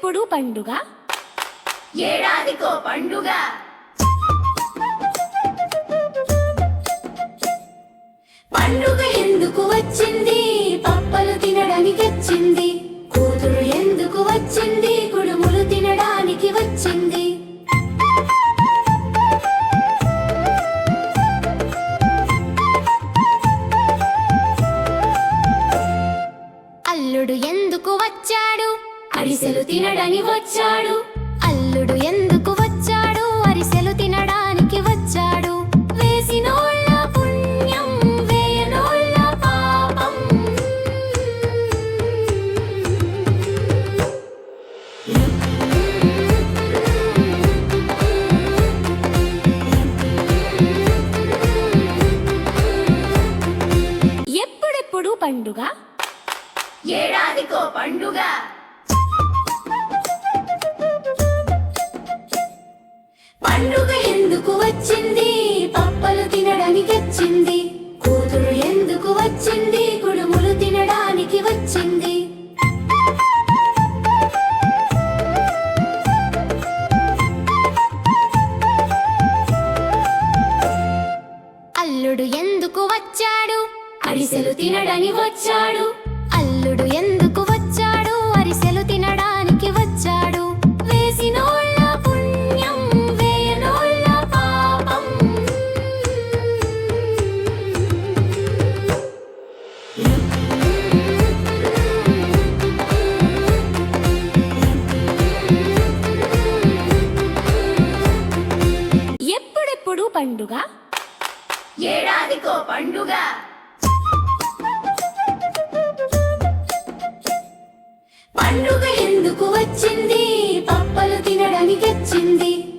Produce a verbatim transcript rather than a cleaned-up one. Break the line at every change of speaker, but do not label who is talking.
ఎప్పుడెప్పుడు పండుగ
ఏడాదికో పండుగ పండుగ ఎందుకు వచ్చింది పప్పలు తినడానికి వచ్చింది కూతురు ఎందుకు వచ్చింది కుడుములు తినడానికి వచ్చింది అల్లుడు ఎందుకు వచ్చాడు అరిసెలు తినడానికి వచ్చాడు అల్లుడు ఎందుకు వచ్చాడు అరిసెలు తినడానికి వచ్చాడు వేసినోళ్ళ పుణ్యం వేయనోళ్ళ పాపం
ఎప్పుడెప్పుడు పండుగ
ఏడాదికో పండుగ పండుగ ఎందుకు వచ్చింది పప్పలు తినడానికి వచ్చింది కూతురు ఎందుకు వచ్చింది కుడుములు తినడానికి వచ్చింది అల్లుడు ఎందుకు వచ్చాడు అరిసెలు తినడానికి వచ్చాడు అల్లుడు ఎందుకు వచ్చాడు అరిసెలు తినడానికి వచ్చాడు వేసినోళ్ళ పుణ్యం వేయనోళ్ళ పాపం
ఎప్పుడెప్పుడు పండుగ
ఏడాదికో పండుగ పండుగ ఎందుకు వచ్చింది పప్పలు తినడానికి వచ్చింది